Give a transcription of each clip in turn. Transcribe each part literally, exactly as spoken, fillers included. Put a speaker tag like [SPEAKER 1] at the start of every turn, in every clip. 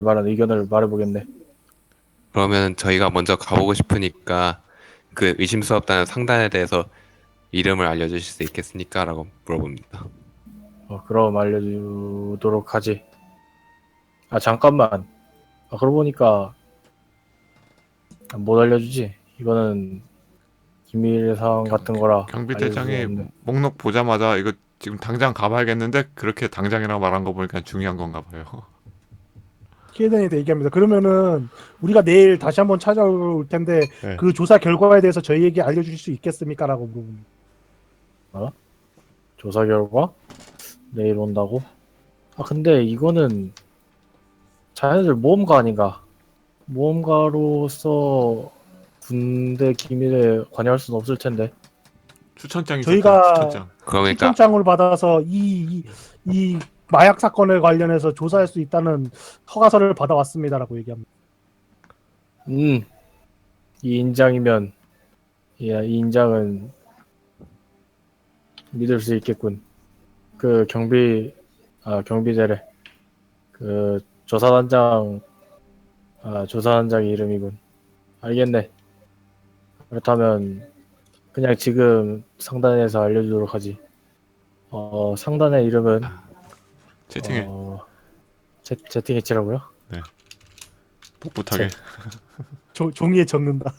[SPEAKER 1] 말한 의견을 말해보겠네.
[SPEAKER 2] 그러면 저희가 먼저 가보고 싶으니까 그 의심스럽다는 상단에 대해서 이름을 알려주실 수 있겠습니까? 라고 물어봅니다.
[SPEAKER 1] 어, 그럼 알려주도록 하지. 아, 잠깐만. 아, 그러고 보니까 못 알려주지. 이거는 기밀 사항
[SPEAKER 3] 경,
[SPEAKER 1] 같은 거라 알려줄 수가
[SPEAKER 3] 경비대장이
[SPEAKER 1] 없네.
[SPEAKER 3] 목록 보자마자 이거 지금 당장 가봐야겠는데 그렇게 당장이라고 말한 거 보니까 중요한 건가 봐요.
[SPEAKER 4] 키에덴이 얘기합니다. 그러면은 우리가 내일 다시 한번 찾아올 텐데
[SPEAKER 3] 네.
[SPEAKER 4] 그 조사 결과에 대해서 저희에게 알려주실 수 있겠습니까?라고 물어봅니다.
[SPEAKER 1] 조사 결과? 내일 온다고? 아, 근데 이거는 자네들 모험가 아닌가? 모험가로서 군대 기밀에 관여할 수는 없을 텐데.
[SPEAKER 3] 추천장이
[SPEAKER 4] 저희가-
[SPEAKER 3] 있었죠. 추천장.
[SPEAKER 2] 그러니까
[SPEAKER 4] 추천장을 받아서 이, 이, 이 마약 사건에 관련해서 조사할 수 있다는 허가서를 받아왔습니다라고 얘기합니다.
[SPEAKER 1] 음, 이 인장이면, 야, 이 인장은 믿을 수 있겠군. 그 경비, 아, 경비대래. 그 조사단장, 아, 조사단장 이름이군. 알겠네. 그렇다면 그냥 지금 상단에서 알려주도록 하지. 어, 상단의 이름은
[SPEAKER 3] 채팅에
[SPEAKER 1] 어, 채, 채팅해치라고요?
[SPEAKER 3] 풋풋하게.
[SPEAKER 4] 조, 종이에 적는다.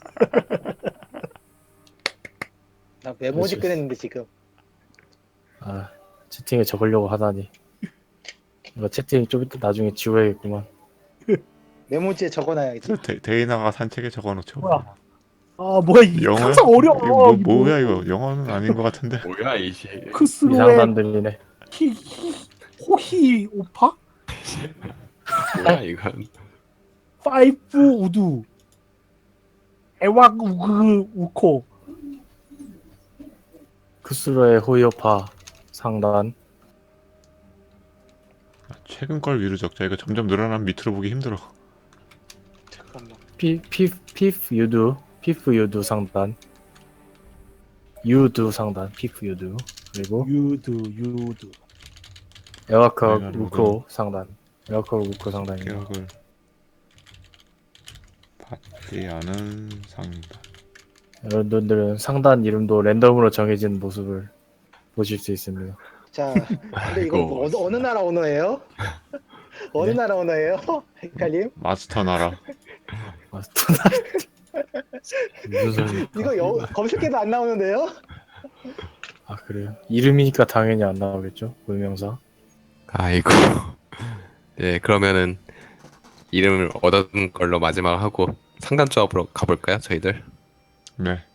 [SPEAKER 5] 나 메모지
[SPEAKER 1] 그치.
[SPEAKER 5] 꺼냈는데 지금.
[SPEAKER 1] 아, 채팅에 적으려고 하다니. 이거 채팅 좀 이따 나중에 지워야겠구만.
[SPEAKER 5] 메모지에 적어놔야지.
[SPEAKER 3] 데, 데이나가 산책에 적어놓죠.
[SPEAKER 4] 뭐야? 아 뭐야 이
[SPEAKER 3] 영어야?
[SPEAKER 4] 항상 어려워.
[SPEAKER 3] 이거 뭐,
[SPEAKER 4] 이거.
[SPEAKER 3] 뭐야 이거 영어는 아닌 것 같은데.
[SPEAKER 2] 뭐야 이씨.
[SPEAKER 4] 크스로의
[SPEAKER 1] 이상단들이네.
[SPEAKER 4] 히, 히, 호히 오파?
[SPEAKER 2] 뭐야 이건.
[SPEAKER 4] 파이프 우두 에왁 우그 우코.
[SPEAKER 1] 크스로의 호이오파 상단.
[SPEAKER 3] 아, 최근 걸 위로 적자. 이거 점점 늘어나면 밑으로 보기 힘들어.
[SPEAKER 5] 잠깐만.
[SPEAKER 1] 피, 피, 피프 유두. 피프 유두 상단. 유두 상단. 피프 유두. 그리고
[SPEAKER 4] 유두 유두.
[SPEAKER 1] 에와커
[SPEAKER 3] 내가
[SPEAKER 1] 우코 상단. 에와커 우코 상단입니다.
[SPEAKER 3] 기억을 받지 않은 상단.
[SPEAKER 1] 여러분들은 상단 이름도 랜덤으로 정해진 모습을 보실 수 있습니다.
[SPEAKER 5] 자, 근데 이거 뭐 어느,
[SPEAKER 2] 아이고.
[SPEAKER 5] 어느 나라 언어예요? 어느
[SPEAKER 1] 네?
[SPEAKER 5] 나라 언어예요? 헷갈림?
[SPEAKER 3] 마스터 나라.
[SPEAKER 1] 아, 무슨 소리?
[SPEAKER 5] 이거 여, 검색해도 안 나오는데요?
[SPEAKER 1] 아, 그래요? 이름이니까 당연히 안 나오겠죠? 불명사.
[SPEAKER 2] 아이고. 네, 그러면은 이름을 얻은 걸로 마지막 하고 상단 조합으로 가볼까요, 저희들?
[SPEAKER 3] 네.